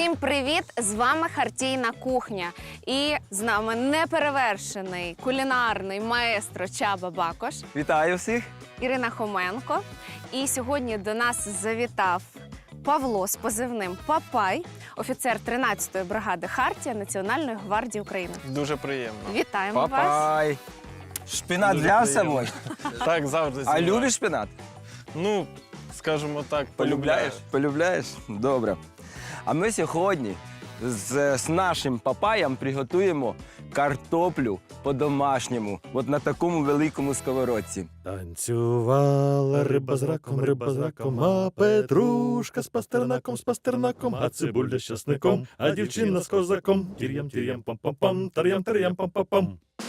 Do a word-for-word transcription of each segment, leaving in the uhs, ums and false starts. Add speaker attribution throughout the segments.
Speaker 1: Всім привіт! З вами Хартійна кухня. І з нами неперевершений кулінарний маестро Чаба Бакош.
Speaker 2: Вітаю всіх!
Speaker 1: Ірина Хоменко. І сьогодні до нас завітав Павло з позивним Папай, офіцер тринадцятої бригади Хартія Національної гвардії України.
Speaker 3: Дуже приємно.
Speaker 1: Вітаємо вас!
Speaker 2: Папай! Шпинат
Speaker 3: Дуже
Speaker 2: для
Speaker 3: приємно.
Speaker 2: собою?
Speaker 3: Так, завжди.
Speaker 2: А
Speaker 3: знімаю.
Speaker 2: любиш шпинат?
Speaker 3: Ну, скажімо так, полюбляєш.
Speaker 2: Полюбляєш? Добре. А ми сьогодні з, з нашим папаєм приготуємо картоплю по-домашньому, от на такому великому сковородці.
Speaker 4: Танцювала риба з раком, риба з раком, а петрушка з пастернаком, з пастернаком, а цибуля з часником, а дівчина з козаком. Тір'ям, тір'ям, пам-пам-пам, тар'ям, тар'ям, пам-пам-пам.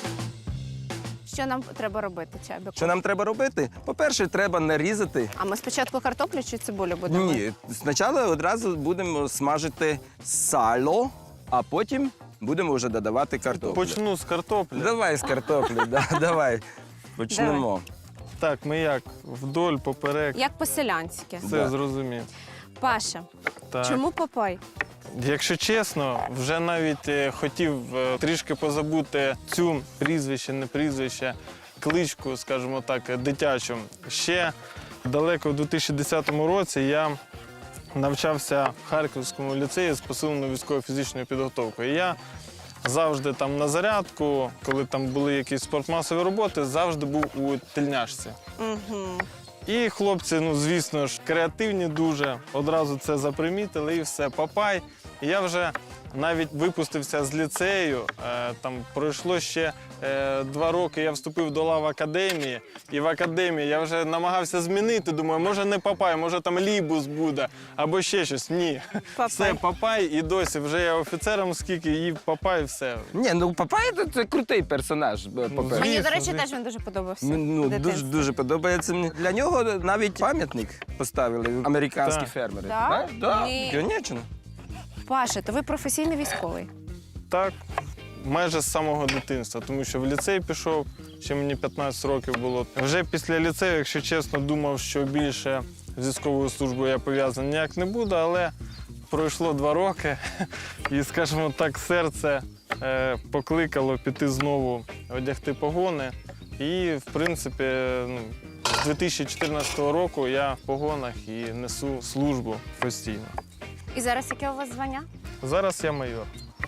Speaker 1: Що нам треба робити, Чабіку?
Speaker 2: Що нам треба робити? По-перше, треба нарізати.
Speaker 1: А ми спочатку картоплю чи цибулю будемо?
Speaker 2: Ні, спочатку одразу будемо смажити сало, а потім будемо вже додавати картоплю.
Speaker 3: Почну з картоплі.
Speaker 2: Давай з картоплі, да, давай. Почнемо.
Speaker 3: Так, ми як? Вдоль, поперек.
Speaker 1: Як по-селянськи.
Speaker 3: Все
Speaker 2: Да.
Speaker 3: зрозумів.
Speaker 1: Паша,
Speaker 3: Так.
Speaker 1: чому Папай?
Speaker 3: Якщо чесно, вже навіть е, хотів е, трішки позабути цю прізвище, не прізвище, кличку, скажімо так, е, дитячу. Ще далеко в дві тисячі десятому році я навчався в Харківському ліцеї з посиленою військово-фізичною підготовкою. І я завжди там на зарядку, коли там були якісь спортмасові роботи, завжди був у тельняшці.
Speaker 1: Угу.
Speaker 3: І хлопці, ну, звісно ж, креативні дуже, одразу це запримітили і все, Папай. І я вже навіть випустився з ліцею, е, там пройшло ще е, два роки, я вступив до лав академії, і в академії я вже намагався змінити, думаю, може не Папай, може там Лібус буде, або ще щось. Ні,
Speaker 1: Папай.
Speaker 3: все, Папай, і досі вже я офіцером скільки, і Папай, все.
Speaker 2: Ні, ну Папай це, це крутий персонаж, по-перше.
Speaker 3: Звісно,
Speaker 1: Мені, до речі,
Speaker 3: звісно.
Speaker 1: теж він дуже подобався.
Speaker 2: Ну,
Speaker 1: в
Speaker 2: дуже,
Speaker 1: дитинстві.
Speaker 2: дуже подобається мені. Для нього навіть пам'ятник поставили американські
Speaker 3: Так.
Speaker 2: фермери.
Speaker 1: Да?
Speaker 2: Да,
Speaker 1: Ні.
Speaker 2: звісно.
Speaker 1: Паша, то ви професійний військовий.
Speaker 3: Так, майже з самого дитинства, тому що в ліцей пішов, ще мені п'ятнадцять років було. Вже після ліцею, якщо чесно, думав, що більше з військовою службою я пов'язаний ніяк не буду, але пройшло два роки, і, скажімо так, серце е, покликало піти знову одягти погони. І, в принципі, ну, з дві тисячі чотирнадцятого року я в погонах і несу службу постійно.
Speaker 1: І зараз яке у вас звання?
Speaker 3: Зараз я майор,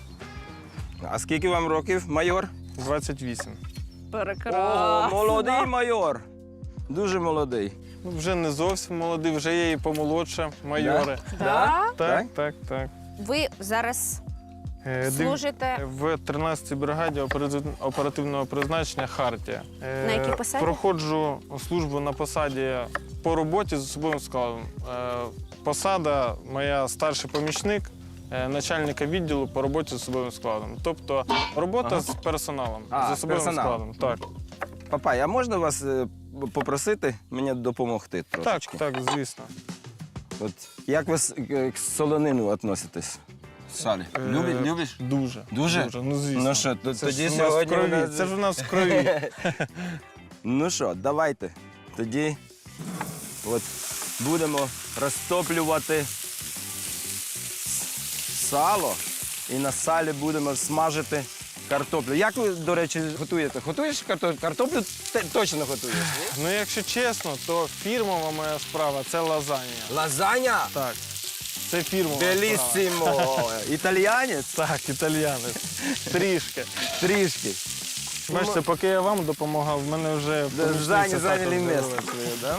Speaker 2: А скільки вам років, майор?
Speaker 3: двадцять вісім.
Speaker 2: О, молодий майор. Дуже молодий.
Speaker 3: Ну, вже не зовсім молодий, вже є і помолодше майори.
Speaker 1: Да?
Speaker 3: Так, так, так.
Speaker 1: Ви зараз
Speaker 3: Е, див-
Speaker 1: служите
Speaker 3: В тринадцятій бригаді оператив- оперативного призначення «Хартія». Е,
Speaker 1: На якій посаді?
Speaker 3: Проходжу службу на посаді по роботі з особовим складом. Е, Посада моя старший помічник, е, начальника відділу по роботі з особовим складом. Тобто робота
Speaker 2: Ага.
Speaker 3: з персоналом,
Speaker 2: А,
Speaker 3: з
Speaker 2: з
Speaker 3: особовим
Speaker 2: персоналом.
Speaker 3: складом. Так.
Speaker 2: Папай, а можна вас е, попросити мені допомогти
Speaker 3: так,
Speaker 2: трошечки?
Speaker 3: так, звісно.
Speaker 2: От, як ви с- к к солонину відноситесь? Салі.
Speaker 3: Е,
Speaker 2: Любиш? Любиш?
Speaker 3: Дуже.
Speaker 2: Дуже?
Speaker 3: Ну, звісно.
Speaker 2: Ну що, то-
Speaker 3: Це
Speaker 2: тоді
Speaker 3: ж у нас в
Speaker 2: сьогодні у
Speaker 3: крові.
Speaker 2: нас-
Speaker 3: Це ж у нас в крові.
Speaker 2: Ну що, давайте. Тоді от будемо розтоплювати сало і на салі будемо смажити картоплю. Як ви, до речі, готуєте? Готуєш картоплю? Картоплю те- точно готуєш? ні?
Speaker 3: Ну, якщо чесно, то фірмова моя справа це лазанья.
Speaker 2: Лазаня?
Speaker 3: Так. Це фірмова справа.
Speaker 2: Беліссимо! Італіянець?
Speaker 3: Так, італіянець. Трішки.
Speaker 2: Трішки.
Speaker 3: Бачите, поки я вам допомагав, в мене вже помічниця
Speaker 2: Зайні,
Speaker 3: також
Speaker 2: зайняли місце
Speaker 3: з'явилася.
Speaker 2: своє, да?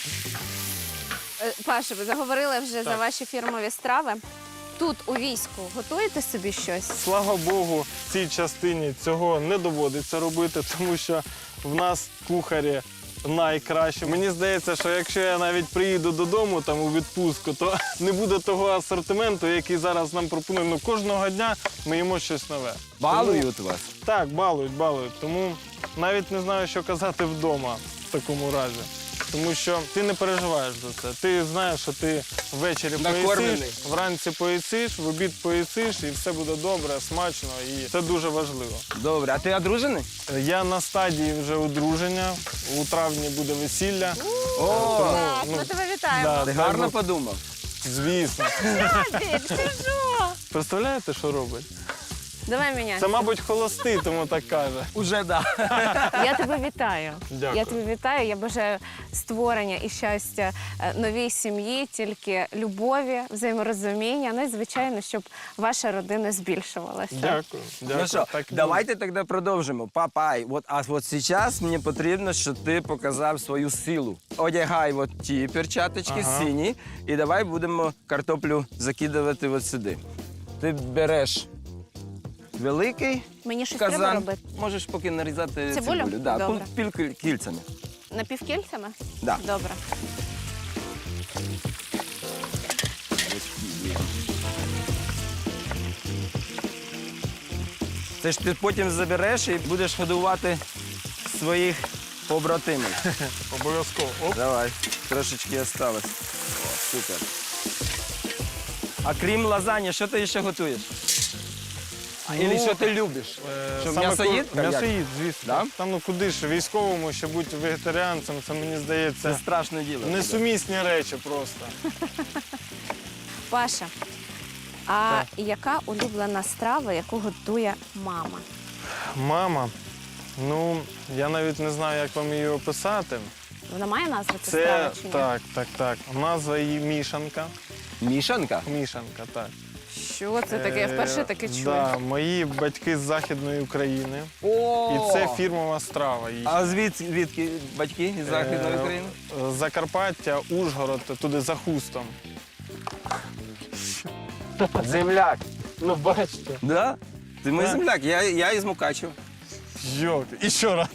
Speaker 1: Е, Паша, ви заговорили вже за
Speaker 3: Так.
Speaker 1: ваші фірмові страви. Тут у війську готуєте собі щось?
Speaker 3: Слава Богу, в цій частині цього не доводиться робити, тому що в нас кухарі найкраще. Мені здається, що якщо я навіть приїду додому там у відпустку, то не буде того асортименту, який зараз нам пропонує. Ну, кожного дня ми їмо щось нове.
Speaker 2: Балують вас?
Speaker 3: Так, балують, балують. Тому навіть не знаю, що казати вдома в такому разі. Тому що ти не переживаєш за це. Ти знаєш, що ти ввечері
Speaker 2: Накормлений.
Speaker 3: поїсиш, вранці поїсиш, в обід поїсиш, і все буде добре, смачно, і це дуже важливо.
Speaker 2: Добре, а ти одружений?
Speaker 3: Я на стадії вже одруження, у травні буде весілля.
Speaker 2: О,
Speaker 1: Так,
Speaker 3: ну,
Speaker 1: ми тебе вітаємо.
Speaker 3: да,
Speaker 2: ти
Speaker 3: дай
Speaker 2: гарно
Speaker 3: Бог.
Speaker 2: подумав.
Speaker 3: Звісно.
Speaker 1: Чабік, ти що?
Speaker 3: Представляєте, що робить?
Speaker 1: Давай міняй.
Speaker 3: Це, мабуть, холостий, тому так каже.
Speaker 2: Уже да.
Speaker 1: Я тебе вітаю.
Speaker 3: Дякую.
Speaker 1: Я тебе вітаю. Я бажаю створення і щастя е, новій сім'ї, тільки любові, взаєморозуміння. Ну і, звичайно, щоб ваша родина збільшувалася.
Speaker 3: Дякую. Дякую.
Speaker 2: Ну що,
Speaker 3: Так і
Speaker 2: давайте тоді продовжимо. Папай, от, а от зараз мені потрібно, щоб ти показав свою силу. Одягай от ті перчаточки
Speaker 3: Ага.
Speaker 2: сині, і давай будемо картоплю закидувати от сюди. Ти береш великий
Speaker 1: Мені щось треба
Speaker 2: казан,
Speaker 1: робити?
Speaker 2: можеш поки нарізати
Speaker 1: Цибулю?
Speaker 2: цибулю. Да,
Speaker 1: Добре.
Speaker 2: піл- піл- кільцями.
Speaker 1: Напівкільцями?
Speaker 2: Да.
Speaker 1: Добре.
Speaker 2: Це ж ти потім забереш і будеш годувати своїх побратимів.
Speaker 3: Обов'язково. Оп.
Speaker 2: Давай, трошечки осталось. О, супер. А крім лазані, що ти ще готуєш? А,
Speaker 3: Ну,
Speaker 2: Ілі що ти любиш?
Speaker 3: Е,
Speaker 2: Що,
Speaker 3: саме
Speaker 2: м'ясоїд?
Speaker 3: ку- М'ясоїд, звісно.
Speaker 2: Да?
Speaker 3: Там ну куди ж, військовому, ще бути вегетаріанцем, це, мені
Speaker 2: Це
Speaker 3: здається,
Speaker 2: страшне діло.
Speaker 3: несумісні речі просто.
Speaker 1: Паша, а яка улюблена страва, яку готує мама?
Speaker 3: Мама, ну, я навіть не знаю, як вам її описати.
Speaker 1: Вона має назву ця
Speaker 3: Це,
Speaker 1: страва чи ні?
Speaker 3: так, так, так. Назва її мішанка.
Speaker 2: Мішанка?
Speaker 3: Мішанка, так.
Speaker 1: Що це таке? Я вперше
Speaker 3: Е,
Speaker 1: таке чую.
Speaker 3: Да, мої батьки з Західної України.
Speaker 2: О!
Speaker 3: І це фірмова страва їхня.
Speaker 2: А звідки звідки батьки із Західної
Speaker 3: Е,
Speaker 2: України?
Speaker 3: Закарпаття, Ужгород, туди за хустом.
Speaker 2: Земляк.
Speaker 3: Ну, бачите.
Speaker 2: Да? Ти мій
Speaker 3: Так.
Speaker 2: земляк, я, я із Мукачева.
Speaker 3: Йок, і ще раз.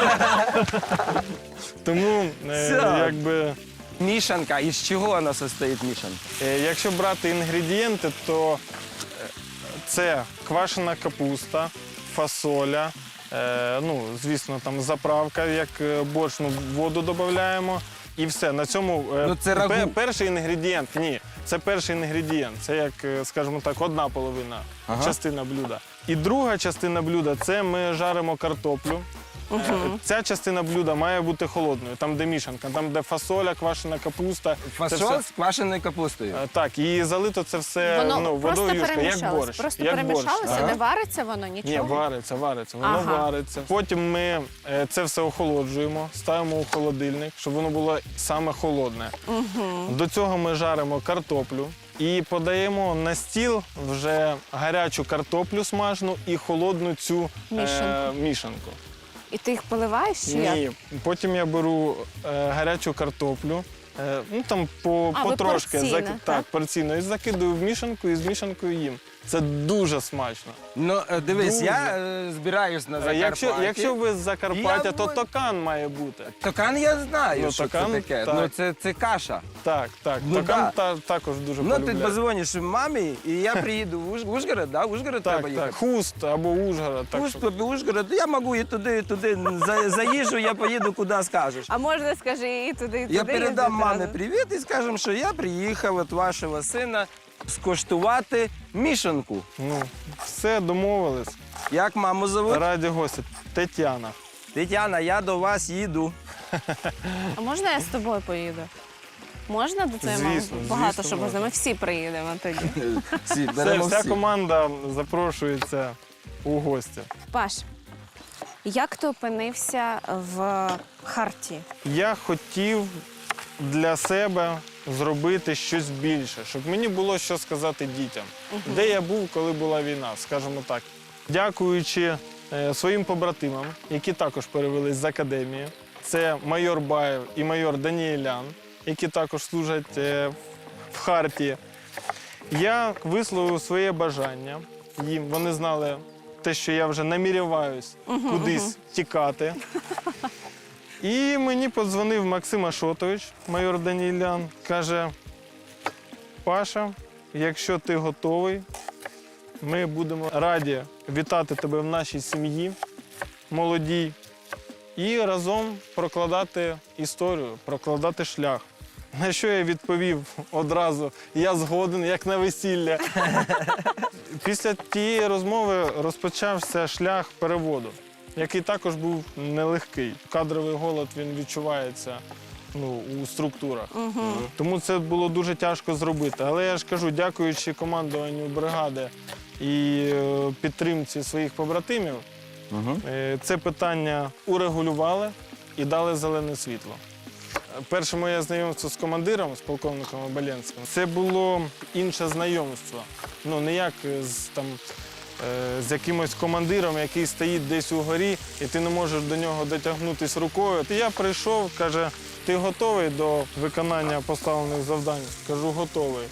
Speaker 3: Тому, е,
Speaker 2: Все.
Speaker 3: якби,
Speaker 2: Мішанка. Із чого вона состоїть мішанка?
Speaker 3: е, якщо брати інгредієнти, то е, це квашена капуста, фасоля, е, ну, звісно, там заправка, як е, борщ, ну, воду додаємо. І все. На цьому е,
Speaker 2: Ну, це рагу.
Speaker 3: пе- перший інгредієнт. Ні, це перший інгредієнт. Це як, е, скажімо так, одна половина
Speaker 2: Ага.
Speaker 3: частина блюда. І друга частина блюда це ми жаримо картоплю. Е, Ця частина блюда має бути холодною, там де мішанка, там де фасоля, квашена капуста. Це
Speaker 2: Фасоль
Speaker 3: все-
Speaker 2: з квашеною капустою.
Speaker 3: Е, Так, і залито це все
Speaker 1: Воно
Speaker 3: ну,
Speaker 1: просто
Speaker 3: водою юшка, як
Speaker 1: перемішалось.
Speaker 3: борщ.
Speaker 1: Просто
Speaker 3: як
Speaker 1: перемішалося,
Speaker 3: борщ.
Speaker 1: не вариться воно,
Speaker 3: Ні,
Speaker 1: нічого.
Speaker 3: вариться, вариться, воно
Speaker 1: Ага.
Speaker 3: вариться. Потім ми е, це все охолоджуємо, ставимо у холодильник, щоб воно було саме холодне. До цього ми жаримо картоплю і подаємо на стіл вже гарячу картоплю смажну і холодну цю е,
Speaker 1: Мішанку.
Speaker 3: мішанку.
Speaker 1: І ти їх поливаєш чи як?
Speaker 3: Ні, потім я беру е, гарячу картоплю. е, Ну там по,
Speaker 1: А, ви
Speaker 3: потрошки
Speaker 1: порційно,
Speaker 3: зак-
Speaker 1: так?
Speaker 3: так, порційно. І закидую в мішанку і з мішанкою їм. Це дуже смачно.
Speaker 2: Ну, е, дивись,
Speaker 3: Дуже.
Speaker 2: я е, збираюсь на
Speaker 3: Е,
Speaker 2: Закарпатті.
Speaker 3: Якщо, якщо ви з Закарпаття,
Speaker 2: Я
Speaker 3: то
Speaker 2: бу-
Speaker 3: токан має бути.
Speaker 2: Токан я знаю,
Speaker 3: Ну,
Speaker 2: що
Speaker 3: токан,
Speaker 2: це таке.
Speaker 3: так.
Speaker 2: Ну, це, це каша.
Speaker 3: Так, так.
Speaker 2: Ну,
Speaker 3: токан
Speaker 2: да.
Speaker 3: та, також дуже
Speaker 2: Ну, ти
Speaker 3: полюбляю.
Speaker 2: позвониш мамі, і я приїду в Уж- в Ужгород, да? В Ужгород
Speaker 3: Так,
Speaker 2: треба їхати.
Speaker 3: так. Хуст або Ужгород. Так,
Speaker 2: Уж,
Speaker 3: що...
Speaker 2: тобі Ужгород, я можу і туди, і туди. За, за їжу я поїду, куди скажеш.
Speaker 1: А можна, скажи, і туди, і туди.
Speaker 2: Я передам
Speaker 1: їздити
Speaker 2: мамі
Speaker 1: разом?
Speaker 2: привіт і скажемо, що я приїхав від вашого сина скуштувати мішанку.
Speaker 3: Ну, все, домовились.
Speaker 2: Як маму зовуть?
Speaker 3: Раді гості. Тетяна.
Speaker 2: Тетяна, я до вас їду.
Speaker 1: А можна я з тобою поїду? Можна до цієї мами?
Speaker 3: Звісно,
Speaker 1: Багато
Speaker 3: звісно,
Speaker 1: що можна.
Speaker 3: можна.
Speaker 1: Ми всі приїдемо тоді.
Speaker 2: Всі,
Speaker 3: Все,
Speaker 2: беремо
Speaker 3: вся
Speaker 2: всі.
Speaker 3: команда запрошується у гості.
Speaker 1: Паш, як ти опинився в Хартії?
Speaker 3: Я хотів для себе зробити щось більше, щоб мені було що сказати дітям. Де я був, коли була війна, скажімо так. Дякуючи е, своїм побратимам, які також перевелись з академії. Це майор Баєв і майор Даніелян, які також служать е, в Хартії. Я висловив своє бажання їм. Вони знали те, що я вже намірюваюсь кудись тікати. І мені подзвонив Максим Ашотович, майор Даніелян, каже: Паша, якщо ти готовий, ми будемо раді вітати тебе в нашій сім'ї, молодій, і разом прокладати історію, прокладати шлях. На що я відповів одразу: я згоден, як на весілля. Після тієї розмови розпочався шлях переводу, який також був нелегкий. Кадровий голод, він відчувається ну, у структурах.
Speaker 1: Угу.
Speaker 3: Тому це було дуже тяжко зробити. Але я ж кажу, дякуючи командуванню бригади і е, підтримці своїх побратимів,
Speaker 2: Угу.
Speaker 3: е, це питання урегулювали і дали зелене світло. Перше моє знайомство з командиром, з полковником Оболенським, це було інше знайомство. Ну, не як з, там, е, з якимось командиром, який стоїть десь угорі, і ти не можеш до нього дотягнутися рукою. Я прийшов, каже, ти готовий до виконання поставлених завдань? Кажу, готовий.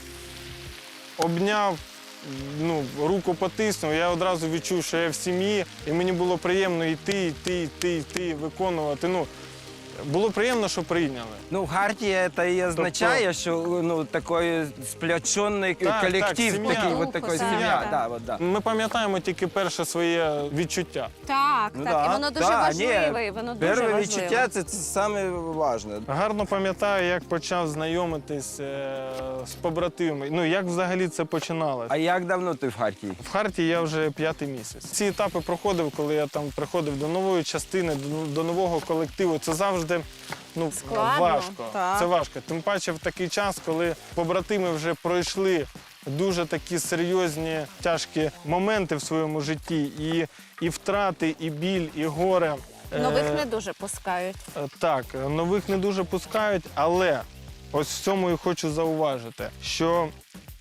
Speaker 3: Обняв, ну, руку потиснув, я одразу відчув, що я в сім'ї, і мені було приємно йти, йти, йти, йти, виконувати. Ну, було приємно, що прийняли.
Speaker 2: Ну, Хартія це і означає, що ну, такий сплячений
Speaker 3: Так,
Speaker 2: колектив,
Speaker 3: так, сім'я.
Speaker 2: такий, от
Speaker 1: Духу,
Speaker 2: такий
Speaker 1: так,
Speaker 2: сім'я.
Speaker 1: так.
Speaker 2: Да, от, да.
Speaker 3: Ми пам'ятаємо тільки перше своє відчуття.
Speaker 1: Так,
Speaker 2: Ну,
Speaker 1: так,
Speaker 2: да,
Speaker 1: і воно дуже
Speaker 2: да,
Speaker 1: важливе,
Speaker 2: ні,
Speaker 1: і воно дуже
Speaker 2: Перше
Speaker 1: важливе.
Speaker 2: відчуття це, це саме важне.
Speaker 3: Гарно пам'ятаю, як почав знайомитись е, з побратимами. Ну, як взагалі це починалося.
Speaker 2: А як давно ти в Хартії?
Speaker 3: В Хартії я вже п'ятий місяць. Ці етапи проходив, коли я там приходив до нової частини, до, до нового колективу. Це завжди ну,
Speaker 1: Складно,
Speaker 3: важко.
Speaker 1: так.
Speaker 3: Це важко. Тим паче в такий час, коли побратими вже пройшли дуже такі серйозні, тяжкі моменти в своєму житті. І, і втрати, і біль, і горе.
Speaker 1: Нових
Speaker 3: Е,
Speaker 1: не дуже пускають.
Speaker 3: Е, Так, нових не дуже пускають, але ось в цьому і хочу зауважити, що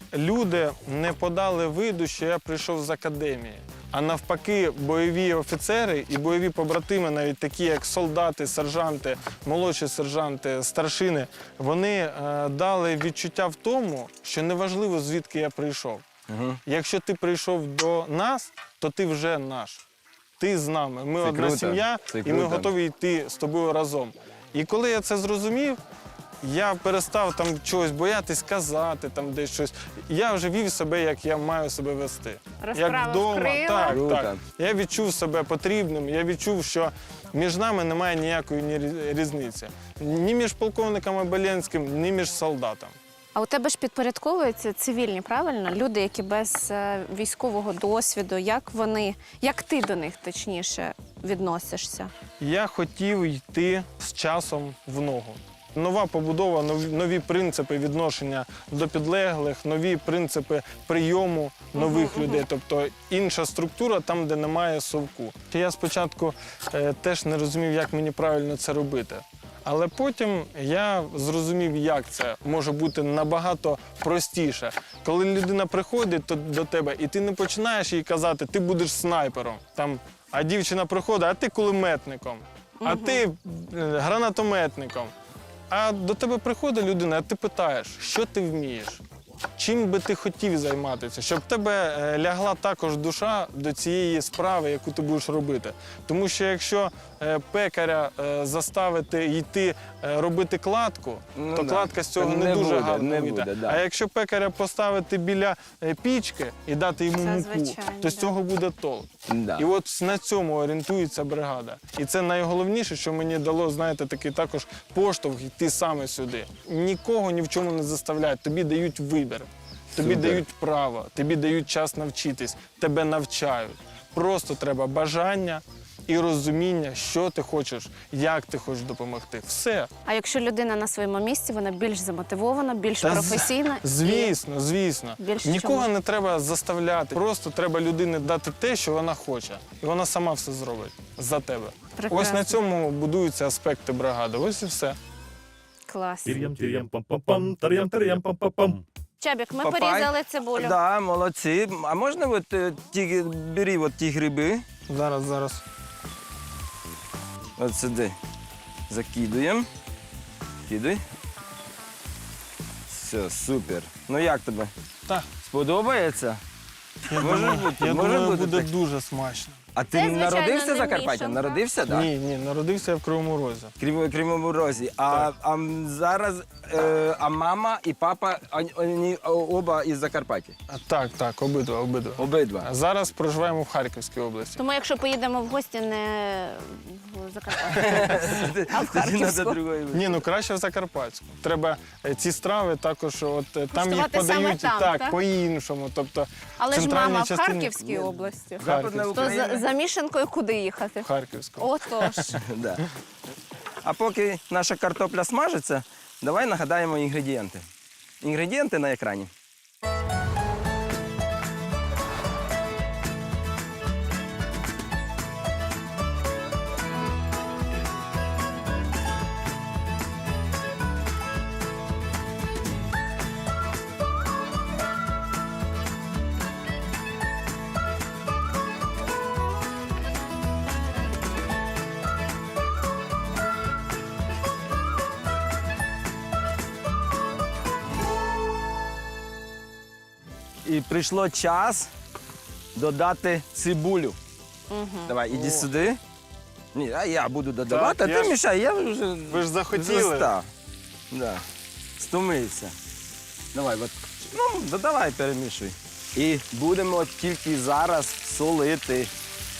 Speaker 3: люди не подали виду, що я прийшов з академії. А навпаки, бойові офіцери і бойові побратими, навіть такі як солдати, сержанти, молодші сержанти, старшини, вони е, дали відчуття в тому, що неважливо, звідки я прийшов.
Speaker 2: Угу.
Speaker 3: Якщо ти прийшов до нас, то ти вже наш. Ти з нами. Ми
Speaker 2: Це
Speaker 3: одна
Speaker 2: круто.
Speaker 3: сім'я,
Speaker 2: Це
Speaker 3: і ми
Speaker 2: круто.
Speaker 3: готові йти з тобою разом. І коли я це зрозумів, я перестав там чогось боятись казати, там десь щось. Я вже вів себе, як я маю себе вести.
Speaker 1: Розправив
Speaker 3: вдома.
Speaker 1: крила.
Speaker 3: Так,
Speaker 2: Круто.
Speaker 3: так. Я відчув себе потрібним, я відчув, що між нами немає ніякої ні рі- різниці. Ні між полковником Оболенським, ні між солдатом.
Speaker 1: А у тебе ж підпорядковуються цивільні, правильно? Люди, які без е, військового досвіду. Як вони, як ти до них точніше відносишся?
Speaker 3: Я хотів йти з часом в ногу. Нова побудова, нові, нові принципи відношення до підлеглих, нові принципи прийому нових
Speaker 1: Мгм,
Speaker 3: людей, тобто інша структура там, де немає совку. Я спочатку е, теж не розумів, як мені правильно це робити. Але потім я зрозумів, як це може бути набагато простіше. Коли людина приходить то- до тебе, і ти не починаєш їй казати, ти будеш снайпером. Там, а дівчина приходить, а ти кулеметником, а ти е, гранатометником. А до тебе приходить людина, а ти питаєш, що ти вмієш? Чим би ти хотів займатися, щоб в тебе е, лягла також душа до цієї справи, яку ти будеш робити. Тому що якщо е, пекаря е, заставити йти е, робити кладку,
Speaker 2: Ну
Speaker 3: то
Speaker 2: да.
Speaker 3: кладка з цього
Speaker 2: Не
Speaker 3: не, дуже
Speaker 2: буде,
Speaker 3: гарно
Speaker 2: не
Speaker 3: вийде.
Speaker 2: буде, да.
Speaker 3: А якщо пекаря поставити біля е, пічки і дати йому
Speaker 1: Це
Speaker 3: муку,
Speaker 1: звичайно,
Speaker 3: то з
Speaker 1: да.
Speaker 3: цього буде толк.
Speaker 2: Да.
Speaker 3: І от на цьому орієнтується бригада. І це найголовніше, що мені дало, знаєте, такий також поштовх йти саме сюди. Нікого ні в чому не заставляють, тобі дають вибір, тобі
Speaker 2: Супер.
Speaker 3: дають право, тобі дають час навчитись, тебе навчають. Просто треба бажання і розуміння, що ти хочеш, як ти хочеш допомогти. Все.
Speaker 1: А якщо людина на своєму місці, вона більш замотивована, більш
Speaker 3: Та з-
Speaker 1: професійна. і-
Speaker 3: Звісно, звісно.
Speaker 1: Більше
Speaker 3: Нікого
Speaker 1: чому?
Speaker 3: не треба заставляти. Просто треба людині дати те, що вона хоче. І вона сама все зробить за тебе.
Speaker 1: Прекрасно.
Speaker 3: Ось на цьому будуються аспекти бригади. Ось і все.
Speaker 1: Клас.
Speaker 4: Тир'ям, тир'ям, пам-пам-пам, тар'ям, тар'ям, пам-пам-пам.
Speaker 1: Чабік, ми
Speaker 2: Папай.
Speaker 1: порізали цибулю.
Speaker 2: Да, молодці. А можна от, е, ті, бери от ті гриби,
Speaker 3: Зараз, зараз.
Speaker 2: от сюди закидуємо. Кидай. Все, супер. Ну як тобі?
Speaker 3: Так.
Speaker 2: Сподобається?
Speaker 3: Я
Speaker 2: Може
Speaker 3: думаю,
Speaker 2: бути,
Speaker 3: я
Speaker 2: може
Speaker 3: думаю,
Speaker 2: бути
Speaker 3: буде
Speaker 2: так.
Speaker 3: дуже смачно.
Speaker 2: А ти
Speaker 1: Це, звичайно,
Speaker 2: народився
Speaker 1: не
Speaker 2: в Закарпатті?
Speaker 1: мішанка.
Speaker 2: Народився, так? Да?
Speaker 3: Ні, ні, народився я в Кривому Розі.
Speaker 2: Крім, Кривому Розі. А, а м, зараз е, а мама і папа вони- вони оба із Закарпаття?
Speaker 3: А, Так, так, обидва, обидва.
Speaker 2: Обидва.
Speaker 3: А зараз проживаємо в Харківській області.
Speaker 1: Тому якщо поїдемо в гості не в Закарпаття, а в
Speaker 2: Тоді надо
Speaker 1: Харківську.
Speaker 2: другої.
Speaker 3: Ні, ну краще в Закарпатську. Треба е, ці страви також, от е, там їх
Speaker 1: Куштувати саме
Speaker 3: подають
Speaker 1: там,
Speaker 3: так,
Speaker 1: так?
Speaker 3: по-іншому. Тобто
Speaker 1: Але ж
Speaker 3: центральній
Speaker 1: мама в
Speaker 3: частині-
Speaker 1: Харківській області.
Speaker 2: Западна
Speaker 3: Харківська.
Speaker 1: То
Speaker 2: Україна.
Speaker 1: за, за мішанкою куди їхати?
Speaker 3: в Харківську.
Speaker 1: Отож.
Speaker 2: Да. А поки наша картопля смажиться, давай нагадаємо інгредієнти. Інгредієнти на екрані. І прийшло час додати цибулю.
Speaker 1: Угу.
Speaker 2: Давай, іди сюди. Ні, а я буду додавати,
Speaker 3: Так,
Speaker 2: а
Speaker 3: я
Speaker 2: ти
Speaker 3: ж-
Speaker 2: мішай, я вже
Speaker 3: Ви ж захотіли.
Speaker 2: застав. Да. Стомився. Давай, от, ну, додавай, перемішуй. І будемо тільки зараз солити.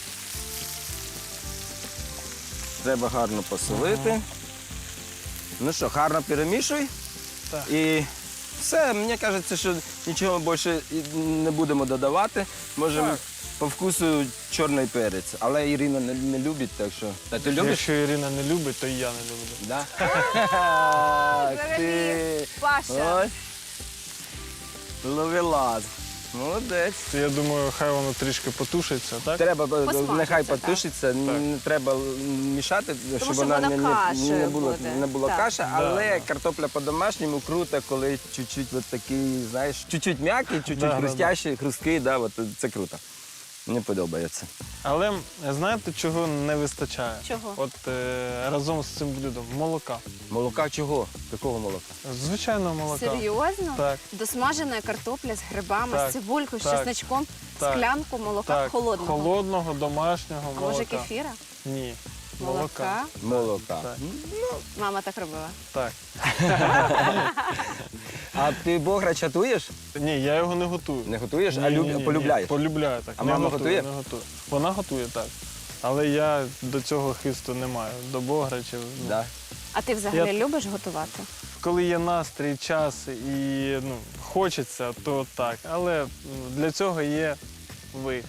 Speaker 2: Треба гарно посолити. Ну що, гарно перемішуй.
Speaker 3: Так.
Speaker 2: І все, мені кажеться, що нічого більше і не будемо додавати. Можемо
Speaker 3: Так.
Speaker 2: по вкусу чорний перець. Але Ірина не, не любить, так що. Та ти любиш?
Speaker 3: Якщо Ірина не любить, то і я не люблю.
Speaker 2: Да? Ах
Speaker 1: Взагалі,
Speaker 2: ти.
Speaker 1: Паша.
Speaker 2: Ось. Ловелас. Молодець.
Speaker 3: То я думаю, хай воно трішки потушиться, так?
Speaker 2: Треба, е,
Speaker 1: Посмажиться,
Speaker 2: нехай
Speaker 1: так.
Speaker 2: потушиться, не треба мішати, щоб
Speaker 1: що
Speaker 2: вона
Speaker 1: вона
Speaker 2: не, не,
Speaker 1: кашею
Speaker 2: не була,
Speaker 1: буде.
Speaker 2: не була
Speaker 1: Так.
Speaker 2: каша,
Speaker 3: Да,
Speaker 2: але
Speaker 3: да.
Speaker 2: картопля по-домашньому круто, коли чуть-чуть от такий, знаєш, чуть-чуть м'який, чуть-чуть
Speaker 3: Да, да,
Speaker 2: хрустящий, хрусткий, да, от, це круто. Мені подобається.
Speaker 3: Але знаєте, чого не вистачає?
Speaker 1: Чого?
Speaker 3: От е, разом з цим блюдом молока.
Speaker 2: Молока чого? Якого молока?
Speaker 3: Звичайного молока.
Speaker 1: Серйозно?
Speaker 3: Так.
Speaker 1: Досмажена картопля з грибами,
Speaker 3: Так,
Speaker 1: з цибулькою, з
Speaker 3: так,
Speaker 1: чесночком,
Speaker 3: так,
Speaker 1: склянку молока
Speaker 3: Так,
Speaker 1: холодного.
Speaker 3: холодного, домашнього
Speaker 1: А
Speaker 3: молока.
Speaker 1: може кефіра?
Speaker 3: Ні.
Speaker 1: Молока?
Speaker 2: Молока.
Speaker 3: Так.
Speaker 1: Мама так робила.
Speaker 3: Так.
Speaker 2: А ти бограч готуєш?
Speaker 3: Ні, я його не готую.
Speaker 2: Не готуєш,
Speaker 3: Ні,
Speaker 2: а
Speaker 3: ні,
Speaker 2: люб...
Speaker 3: ні, ні.
Speaker 2: полюбляєш?
Speaker 3: Полюбляю, так.
Speaker 2: А
Speaker 3: Не
Speaker 2: мама
Speaker 3: готую,
Speaker 2: готує?
Speaker 3: Не готую. Вона готує, так. Але я до цього хисту не маю, до бограчів. ну.
Speaker 2: Да.
Speaker 1: А ти взагалі
Speaker 3: Я-
Speaker 1: любиш готувати?
Speaker 3: Коли є настрій, час і ну, хочеться, то так. Але м, для цього є ви.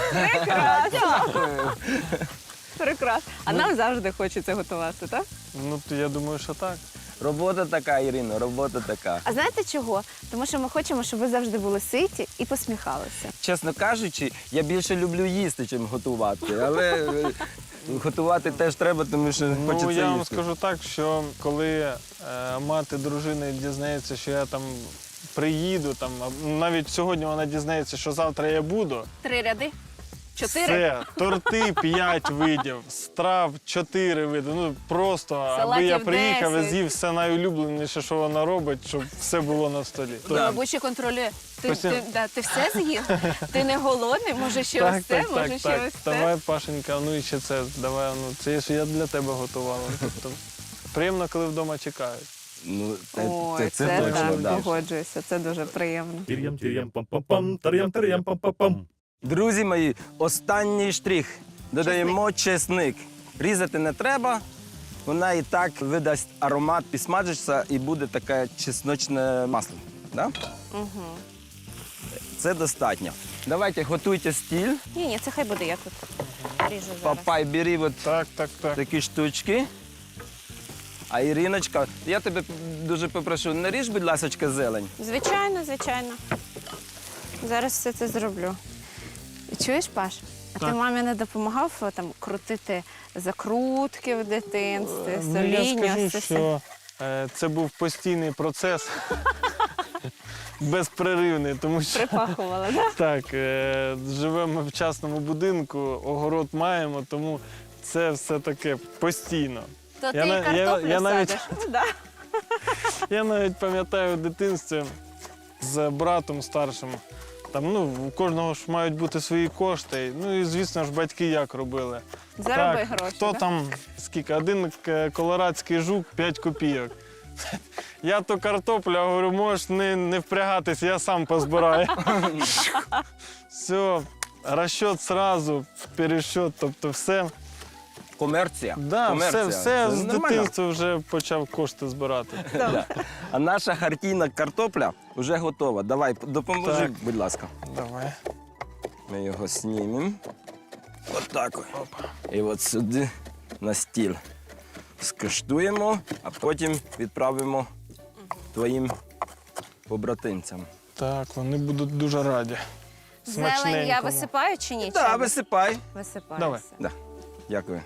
Speaker 1: Прекрасно! Прекрасно. А нам завжди хочеться готувати, так?
Speaker 3: Ну, то я думаю, що так.
Speaker 2: Робота така, Ірино, робота така.
Speaker 1: А знаєте чого? Тому що ми хочемо, щоб ви завжди були ситі і посміхалися.
Speaker 2: Чесно кажучи, я більше люблю їсти, ніж готувати. Але е, готувати теж треба, тому що хочеться
Speaker 3: Ну, я вам
Speaker 2: їсти.
Speaker 3: скажу так, що коли е, мати дружини дізнається, що я там приїду, там, а навіть сьогодні вона дізнається, що завтра я буду.
Speaker 1: Три ряди? Чотири?
Speaker 3: Все, торти п'ять видів, страв чотири види. Ну просто, аби
Speaker 1: Салатів
Speaker 3: я приїхав і
Speaker 1: десять.
Speaker 3: з'їв все найулюбленіше, що вона робить, щоб все було на столі.
Speaker 1: І, мабуть, ще контролює. Ти,
Speaker 3: Постійно.
Speaker 1: ти, да, ти все з'їв? Ти не голодний? Може, ще
Speaker 3: Так,
Speaker 1: ось це?
Speaker 3: так,
Speaker 1: Може,
Speaker 3: так,
Speaker 1: ще
Speaker 3: так.
Speaker 1: ось це?
Speaker 3: Давай, Пашенька, ну і ще це, давай, ну це ж я для тебе готувала. Тобто, приємно, коли вдома чекають.
Speaker 2: Ну, це,
Speaker 1: Ой,
Speaker 2: це,
Speaker 1: це,
Speaker 2: це точно,
Speaker 1: так,
Speaker 2: да.
Speaker 1: погоджуюся. Це дуже приємно.
Speaker 4: Тір'ям, тір'ям, пам-пам-пам, тар'ям, тар'ям, пам-пам-пам.
Speaker 2: Друзі мої, останній штрих. Додаємо чесник. Різати не треба. Вона і так видасть аромат, підсмажиться і буде таке чесночне масло. Да?
Speaker 1: Угу.
Speaker 2: Це достатньо. Давайте готуйте стіль.
Speaker 1: Ні, ні, це хай буде, я тут ріжу зараз.
Speaker 2: Папай, бери от
Speaker 3: Так, так, так.
Speaker 2: такі штучки. А Іриночка, я тебе дуже попрошу, не ріж, будь ласка, зелень.
Speaker 1: Звичайно, звичайно. Зараз все це зроблю. Чуєш, Паш? А ти
Speaker 3: Так.
Speaker 1: мамі не допомагав о, там крутити закрутки в дитинстві,
Speaker 3: Ну,
Speaker 1: соління?
Speaker 3: я скажу,
Speaker 1: ось це все?
Speaker 3: що е, це був постійний процес, безперервний, тому що
Speaker 1: Припахувала, так?
Speaker 3: так, е, живемо в частному будинку, огород маємо, тому це все таке постійно.
Speaker 1: То
Speaker 3: Я
Speaker 1: ти
Speaker 3: на-
Speaker 1: і картоплю
Speaker 3: я- я навіть-
Speaker 1: садиш. Ну, да.
Speaker 3: Я навіть пам'ятаю в дитинстві з братом старшим. Там, ну, у кожного ж мають бути свої кошти. Ну і звісно ж, батьки як робили.
Speaker 1: Зароби
Speaker 3: так,
Speaker 1: гроші.
Speaker 3: Хто
Speaker 1: да?
Speaker 3: там, скільки? Один к- колорадський жук, п'ять копійок. Я то картопля, говорю, можеш не, не впрягатись, я сам позбираю. Все, розчет сразу, пересчет, тобто все.
Speaker 2: Комерція.
Speaker 3: Да,
Speaker 2: Комерція.
Speaker 3: все, все
Speaker 2: Це
Speaker 3: з
Speaker 2: нормально.
Speaker 3: дитинства вже почав кошти збирати.
Speaker 2: Да. А наша хартійна картопля вже готова. Давай, допоможи,
Speaker 3: Так.
Speaker 2: будь ласка.
Speaker 3: Давай.
Speaker 2: Ми його знімемо. От так. І от сюди на стіл. скуштуємо, а потім відправимо твоїм побратимцям.
Speaker 3: Так, вони будуть дуже раді.
Speaker 1: Зелень я
Speaker 3: Смачненькому.
Speaker 1: висипаю чи ні?
Speaker 2: Так,
Speaker 1: Чи
Speaker 2: висипай.
Speaker 1: висипаю
Speaker 3: Давай.
Speaker 1: все?
Speaker 2: Да. Дякую.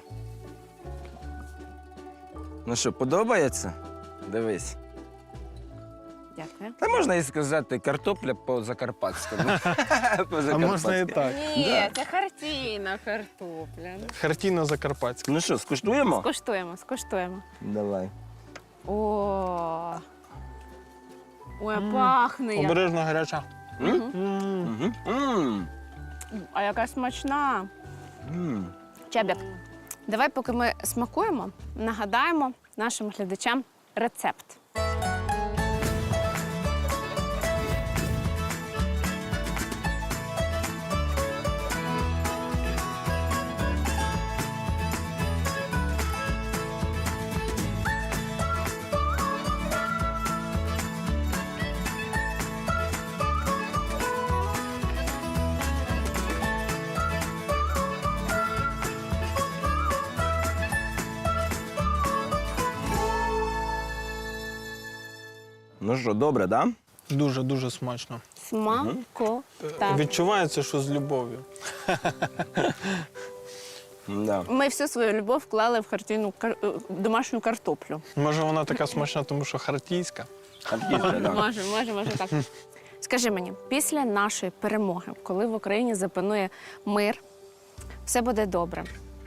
Speaker 2: Ну що, подобається? Дивись.
Speaker 1: Дякую.
Speaker 2: Та можна і сказати картопля по-закарпатському.
Speaker 3: А можна і так.
Speaker 1: Ні, це хартійна картопля.
Speaker 3: Хартійно закарпатська.
Speaker 2: Ну що, скуштуємо?
Speaker 1: Скуштуємо, скуштуємо.
Speaker 2: Давай.
Speaker 1: О. Ой, пахне. як.
Speaker 3: Обережно гаряча.
Speaker 2: М? Мгм. М.
Speaker 1: А яка смачна.
Speaker 2: М.
Speaker 1: Чебік, давай, поки ми смакуємо, нагадаємо нашим глядачам рецепт.
Speaker 2: Ну що, добре, так?
Speaker 3: Дуже-дуже смачно.
Speaker 1: Смако. Так.
Speaker 3: Відчувається, що з любов'ю.
Speaker 2: Да.
Speaker 1: Ми всю свою любов вклали в хартійну кар... е, домашню картоплю.
Speaker 3: Може, вона така смачна, тому що хартійська.
Speaker 2: Харківська, да.
Speaker 1: Може, може, може так. Скажи мені, після нашої перемоги, коли в Україні запанує мир, все буде добре.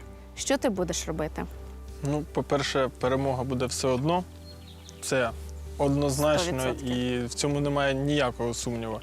Speaker 1: Що ти будеш робити?
Speaker 3: Ну, по-перше, перемога буде все одно. Це однозначно,
Speaker 1: сто відсотків.
Speaker 3: і в цьому немає ніякого сумніву.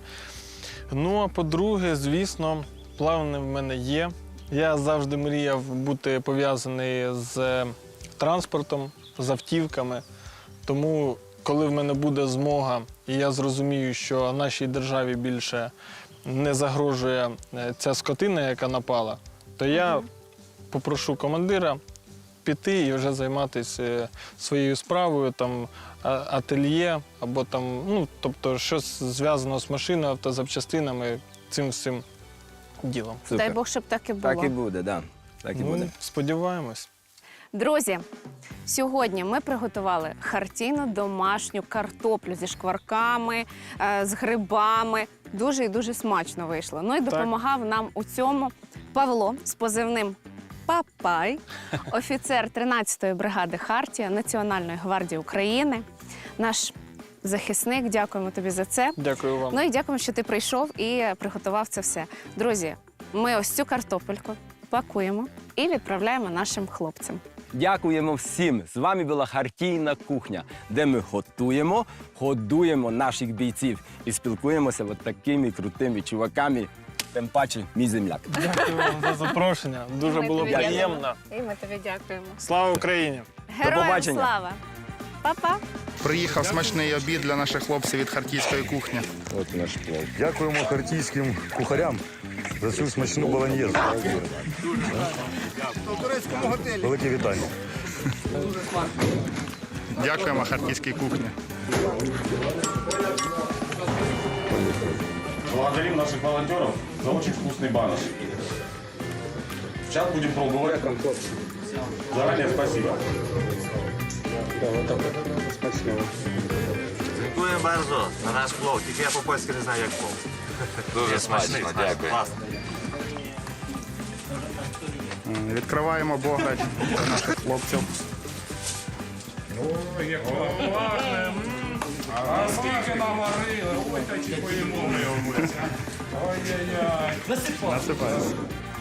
Speaker 3: Ну, а по-друге, звісно, плани в мене є. Я завжди мріяв бути пов'язаний з транспортом, з автівками. Тому, коли в мене буде змога, і я зрозумію, що нашій державі більше не загрожує е, ця скотина, яка напала, то я попрошу командира піти і вже займатися е, своєю справою, там, а- ательє, або там, ну, тобто, щось зв'язано з машиною, автозапчастинами, цим всім ділом.
Speaker 2: Супер.
Speaker 1: Дай Бог, щоб так і було.
Speaker 2: Так і буде, да. Так і буде.
Speaker 3: Ну, сподіваємось.
Speaker 1: Друзі, сьогодні ми приготували хартійну домашню картоплю зі шкварками, е, з грибами. Дуже і дуже смачно вийшло. Ну і допомагав нам у цьому Павло з позивним Папай, офіцер тринадцятої бригади Хартія Національної гвардії України, наш захисник. Дякуємо тобі за це.
Speaker 3: Дякую вам.
Speaker 1: Ну і дякуємо, що ти прийшов і приготував це все. Друзі, ми ось цю картопельку пакуємо і відправляємо нашим хлопцям.
Speaker 2: Дякуємо всім. З вами була Хартійна кухня, де ми готуємо, годуємо наших бійців і спілкуємося от такими крутими чуваками. Тим паче, мій земляк.
Speaker 3: Дякую вам за запрошення. Дуже
Speaker 1: Ми
Speaker 3: було
Speaker 1: тобі дякуємо.
Speaker 3: приємно.
Speaker 1: І ми тобі дякуємо.
Speaker 3: Слава Україні!
Speaker 1: Героям
Speaker 2: побачення.
Speaker 1: слава! Па-па!
Speaker 5: Приїхав смачний обід для наших хлопців від харківської кухні.
Speaker 2: От наш плов.
Speaker 6: Дякуємо харківським кухарям за цю смачну болоньєзу. Велике вітання.
Speaker 5: Дякуємо харківській кухні.
Speaker 7: Благодарим наших волонтеров за очень вкусный баныш. Сейчас будем пробовать. Заранее спасибо.
Speaker 8: Dziękuję bardzo za nasz plov, tylko ja po polsku nie знаю, jak plov. Дуже смачно, дякую.
Speaker 5: Відкриваємо бограч для наших хлопців.
Speaker 7: А скільки наварили, ой, та чи поїмо ми його. Ой-ой-ой.
Speaker 5: Насипаємо.